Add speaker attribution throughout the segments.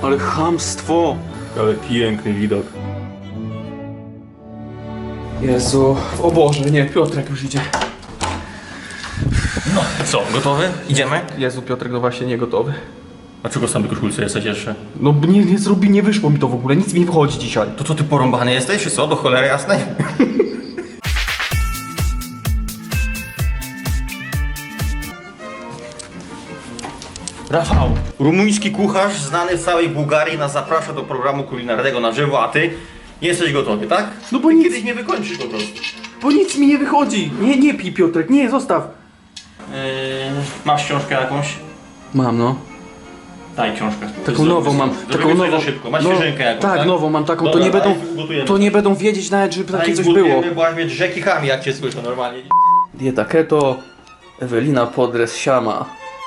Speaker 1: Ale chamstwo!
Speaker 2: Ale piękny widok.
Speaker 1: Jezu, o Boże, nie, Piotrek już idzie.
Speaker 2: No, co, gotowy? Idziemy?
Speaker 1: Jezu, Piotrek, no właśnie nie gotowy.
Speaker 2: A czego sam w koszulce jesteś jeszcze?
Speaker 1: No nie wyszło mi to w ogóle, nic mi nie wychodzi dzisiaj.
Speaker 2: To co, ty porąbany jesteś, czy co? Do cholery jasnej? Rafał, rumuński kucharz znany w całej Bułgarii nas zaprasza do programu kulinarnego na żywo, a ty jesteś gotowy, tak?
Speaker 1: No bo
Speaker 2: ty
Speaker 1: nic-
Speaker 2: kiedyś mnie wykończysz po prostu.
Speaker 1: Bo nic mi nie wychodzi. Nie pij, Piotrek, nie, zostaw.
Speaker 2: Masz książkę jakąś?
Speaker 1: Mam, no.
Speaker 2: Daj książkę.
Speaker 1: Taką nową mam.
Speaker 2: Taką nową. Za szybko. Masz świeżynkę jakąś,
Speaker 1: tak?
Speaker 2: tak?
Speaker 1: Nową mam taką,
Speaker 2: Dobra,
Speaker 1: to nie będą wiedzieć nawet, żeby takie coś było.
Speaker 2: Bo aż mnie rzeki chami, jak cię słyszę normalnie.
Speaker 1: Dieta keto, Ewelina Podres siama.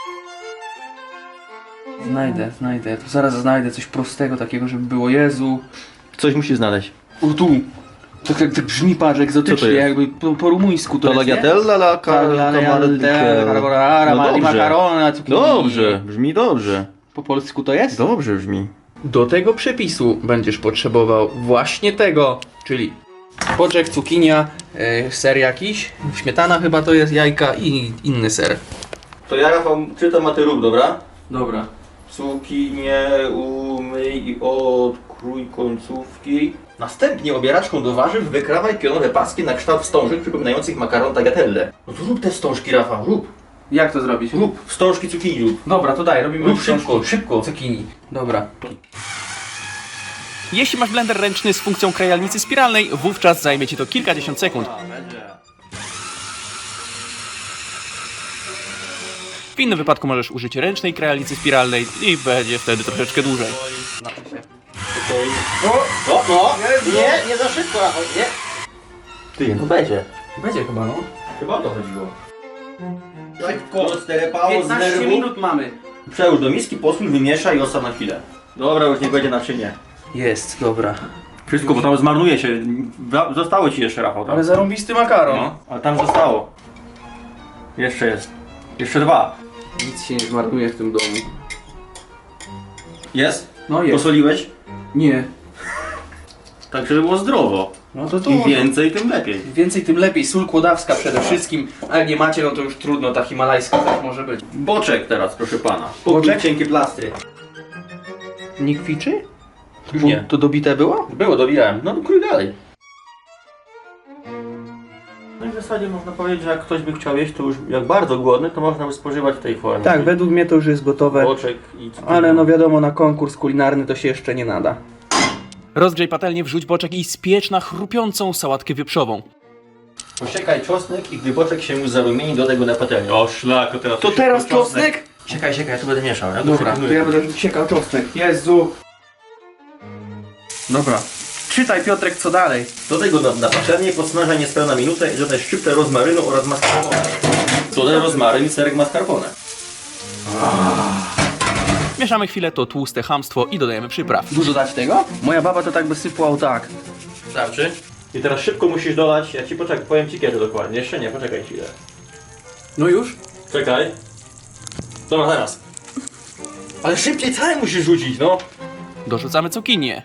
Speaker 1: Znajdę, to zaraz znajdę coś prostego takiego, żeby było. Jezu.
Speaker 2: Coś musisz znaleźć.
Speaker 1: O tu. Tak jak brzmi, patrz,
Speaker 2: Co to
Speaker 1: egzotycznie,
Speaker 2: jest?
Speaker 1: jakby po rumuńsku to jest, nie?
Speaker 2: Dobrze, brzmi dobrze.
Speaker 1: Po polsku to jest?
Speaker 2: Dobrze brzmi.
Speaker 1: Do tego przepisu będziesz potrzebował właśnie tego, czyli boczek, cukinia, ser jakiś, śmietana chyba to jest, jajka i inny ser.
Speaker 2: To ja, Rafał, czytam, a ty rób, dobra?
Speaker 1: Dobra.
Speaker 2: Cukinię umyj i odkrój końcówki. Następnie obieraczką do warzyw wykrawaj pionowe paski na kształt wstążek przypominających makaron tagliatelle. No to rób te wstążki, Rafał, rób.
Speaker 1: Jak to zrobić?
Speaker 2: Rób wstążki cukinii, rób.
Speaker 1: Dobra, to daj, robimy
Speaker 2: Rób szybko, szybko.
Speaker 1: cukinii. Dobra.
Speaker 3: Jeśli masz blender ręczny z funkcją krajalnicy spiralnej, wówczas zajmie Ci to kilkadziesiąt sekund. W innym wypadku możesz użyć ręcznej krajalnicy spiralnej i będzie wtedy troszeczkę dłużej.
Speaker 2: No, nie za szybko, Rafał, nie. Ty, no będzie.
Speaker 1: Będzie chyba, no.
Speaker 2: Chyba o to chodziło. Szybko, sterepało z
Speaker 1: 15
Speaker 2: nerwu.
Speaker 1: minut mamy.
Speaker 2: Przełóż do miski, posól, wymieszaj i ostaw na chwilę. Dobra, już nie będzie naczynie.
Speaker 1: Jest, dobra.
Speaker 2: Wszystko, bo tam zmarnuje się. Zostało ci jeszcze, Rafał, tam.
Speaker 1: Ale zarąbisty makaron.
Speaker 2: No, ale tam zostało. Jeszcze jest. Jeszcze dwa.
Speaker 1: Nic się nie zmarnuje w tym domu.
Speaker 2: Jest?
Speaker 1: No jest.
Speaker 2: Posoliłeś?
Speaker 1: Nie.
Speaker 2: Tak, żeby było zdrowo.
Speaker 1: No to
Speaker 2: Im więcej, tym lepiej.
Speaker 1: Więcej tym lepiej, sól kłodawska przede wszystkim, a jak nie macie, no to już trudno, ta himalajska też może być.
Speaker 2: Boczek teraz, proszę pana.
Speaker 1: Boczek?
Speaker 2: Cienkie plastry.
Speaker 1: Nie kwiczy?
Speaker 2: Już nie.
Speaker 1: To dobite było?
Speaker 2: Było, dobijałem. No, krój dalej. No i w zasadzie można powiedzieć, że jak ktoś by chciał jeść, to już jak bardzo głodny, to można by spożywać w tej formie.
Speaker 1: Tak, według mnie to już jest gotowe,
Speaker 2: Boczek i cukinia.
Speaker 1: ale no wiadomo, na konkurs kulinarny to się jeszcze nie nada.
Speaker 3: Rozgrzej patelnię, wrzuć boczek i spiecz na chrupiącą sałatkę wieprzową.
Speaker 2: Posiekaj czosnek i gdy boczek się już zarumieni, dodaj go na patelnię. O szlak,
Speaker 1: To teraz czosnek?
Speaker 2: Siekaj, ja tu będę mieszał. Ja
Speaker 1: Dobra, to ja będę siekał czosnek. Jezu! Dobra. Czytaj, Piotrek, co dalej?
Speaker 2: Dodaj go na patelnię, podsmażaj niespełna minutę i dodaj szczyptę rozmarynu oraz mascarpone. Dodaj rozmaryn i serek mascarpone.
Speaker 3: Mieszamy chwilę to tłuste chamstwo i dodajemy przypraw.
Speaker 1: Dużo dać tego? Moja baba to tak by sypła tak.
Speaker 2: Starczy? I teraz szybko musisz dodać, ja ci poczekaj, powiem ci kiedy dokładnie. Jeszcze nie, poczekaj chwilę.
Speaker 1: No już?
Speaker 2: Czekaj. Dobra, teraz. Ale szybciej całe musisz rzucić, no.
Speaker 3: Dorzucamy cukinię.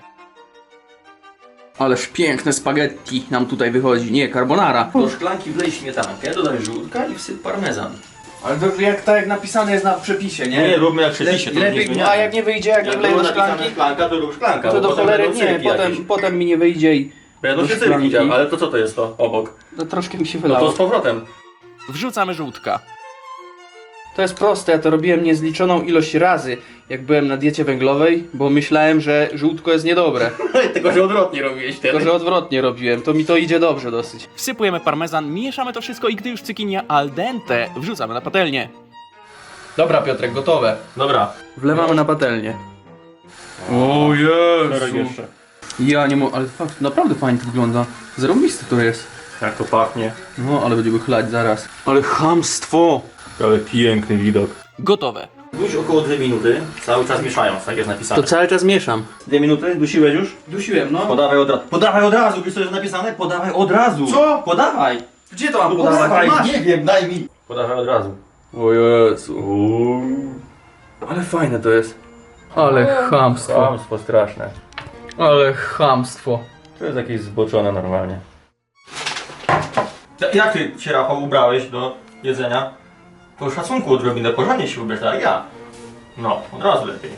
Speaker 1: Ależ piękne spaghetti nam tutaj wychodzi. Nie, carbonara.
Speaker 2: Do szklanki wlej śmietankę, dodaj żółtka i wsyp parmezan.
Speaker 1: Ale to jak tak jak napisane jest na przepisie, nie?
Speaker 2: Nie, róbmy jak przepisie, to nie
Speaker 1: Lepiej,
Speaker 2: zmieniamy.
Speaker 1: a jak nie wyjdzie, jak nie
Speaker 2: Jak
Speaker 1: wleję
Speaker 2: było
Speaker 1: do
Speaker 2: napisane
Speaker 1: szklanki,
Speaker 2: szklanka, to rób szklanka.
Speaker 1: to
Speaker 2: bo
Speaker 1: do
Speaker 2: potem
Speaker 1: cholery
Speaker 2: będą
Speaker 1: nie,
Speaker 2: cyrki jakieś.
Speaker 1: potem mi nie wyjdzie i
Speaker 2: Będą
Speaker 1: do
Speaker 2: się
Speaker 1: szklanki.
Speaker 2: cyrki działy, ale to co to jest to obok?
Speaker 1: no, troszkę mi się
Speaker 2: No
Speaker 1: wylało.
Speaker 2: to z powrotem.
Speaker 3: Wrzucamy żółtka.
Speaker 1: To jest proste, ja to robiłem niezliczoną ilość razy, jak byłem na diecie węglowej, bo myślałem, że żółtko jest niedobre.
Speaker 2: Tylko, że odwrotnie robiłeś wtedy.
Speaker 1: Tylko, że odwrotnie robiłem, to mi to idzie dobrze dosyć.
Speaker 3: Wsypujemy parmezan, mieszamy to wszystko i gdy już cukinia al dente, wrzucamy na patelnię.
Speaker 1: Dobra, Piotrek, gotowe.
Speaker 2: Dobra.
Speaker 1: Wlewamy na patelnię. O Jezu. Ja nie mogę, ale fakt, naprawdę fajnie to wygląda. Zarąbiste to jest.
Speaker 2: Jak to pachnie.
Speaker 1: No, ale będziemy chlać zaraz. Ale chamstwo!
Speaker 2: Ale piękny widok.
Speaker 3: Gotowe.
Speaker 2: Duś około 2 minuty, cały czas mieszając, tak jest napisane.
Speaker 1: To cały czas mieszam.
Speaker 2: 2 minuty, dusiłeś już?
Speaker 1: Dusiłem, no.
Speaker 2: Podawaj od razu. Podawaj od razu, wiesz co jest napisane? Podawaj od razu.
Speaker 1: Co?
Speaker 2: Podawaj.
Speaker 1: Gdzie to mam
Speaker 2: No
Speaker 1: podawać?
Speaker 2: podawaj,
Speaker 1: Masz.
Speaker 2: nie wiem, daj mi. Podawaj od razu.
Speaker 1: O Jezu. Ale fajne to jest. Ale chamstwo.
Speaker 2: Kłamstwo straszne.
Speaker 1: Ale chamstwo.
Speaker 2: To jest jakieś zboczone normalnie. Jak ty się, Rafał, ubrałeś do jedzenia? Po szacunku odrobinę, porządnie się ubrać, tak jak ja. No, od razu lepiej.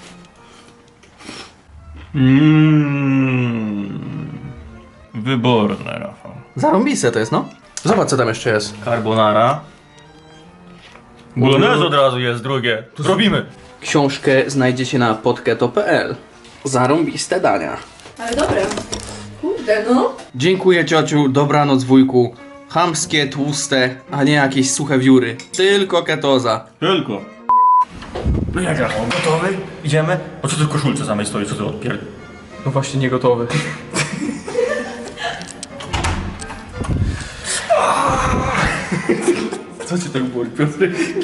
Speaker 2: Wyborne, Rafał.
Speaker 1: Zarąbiste to jest, no. Zobacz, co tam jeszcze jest.
Speaker 2: Carbonara. Bolognese od razu jest drugie. To zrobimy.
Speaker 1: Książkę znajdziecie na podketo.pl. Zarąbiste dania.
Speaker 4: Ale dobre. Kurde, no.
Speaker 1: Dziękuję ciociu, dobranoc wujku. Chamskie, tłuste, a nie jakieś suche wióry. Tylko ketoza.
Speaker 2: Tylko. No jak, Rafał, gotowy? Idziemy? O co ty w koszulce samej stoi, co ty odpierd...
Speaker 1: No właśnie nie gotowy.
Speaker 2: Co ci tak boli, Piotr?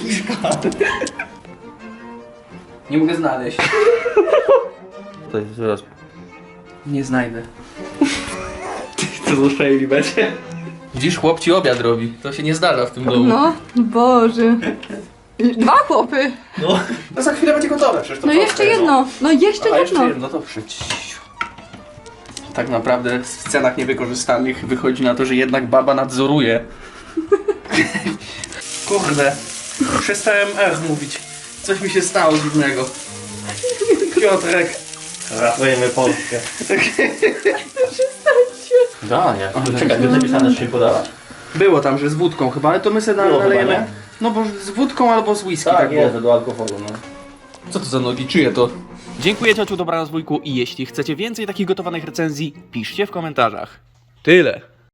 Speaker 1: Nie mogę znaleźć.
Speaker 2: To jest zaraz.
Speaker 1: Nie znajdę. Co za szejli będzie? Widzisz, chłop ci obiad robi. To się nie zdarza w tym domu.
Speaker 4: No, Boże. 2 chłopy.
Speaker 1: No za chwilę będzie gotowe. Przecież to
Speaker 4: No
Speaker 1: proste,
Speaker 4: jeszcze jedno. No jeszcze
Speaker 1: A jeszcze
Speaker 4: jedno.
Speaker 1: jedno, to przyjdź. Tak naprawdę w scenach niewykorzystanych wychodzi na to, że jednak baba nadzoruje. Kurde, przestałem mówić. Coś mi się stało dziwnego. Piotrek.
Speaker 2: Ratujemy Polskę. Da, nie. Czekaj, jest napisane, że się podawać?
Speaker 1: Było tam, że z wódką chyba, ale to my sobie
Speaker 2: Było
Speaker 1: nalejemy.
Speaker 2: chyba, nie?
Speaker 1: No bo z wódką albo z whisky.
Speaker 2: Tak,
Speaker 1: było.
Speaker 2: jest, do alkoholu, no.
Speaker 1: Co to za nogi? Czyje to?
Speaker 3: Dziękuję ciociu, dobranoc wujku i jeśli chcecie więcej takich gotowanych recenzji, piszcie w komentarzach. Tyle.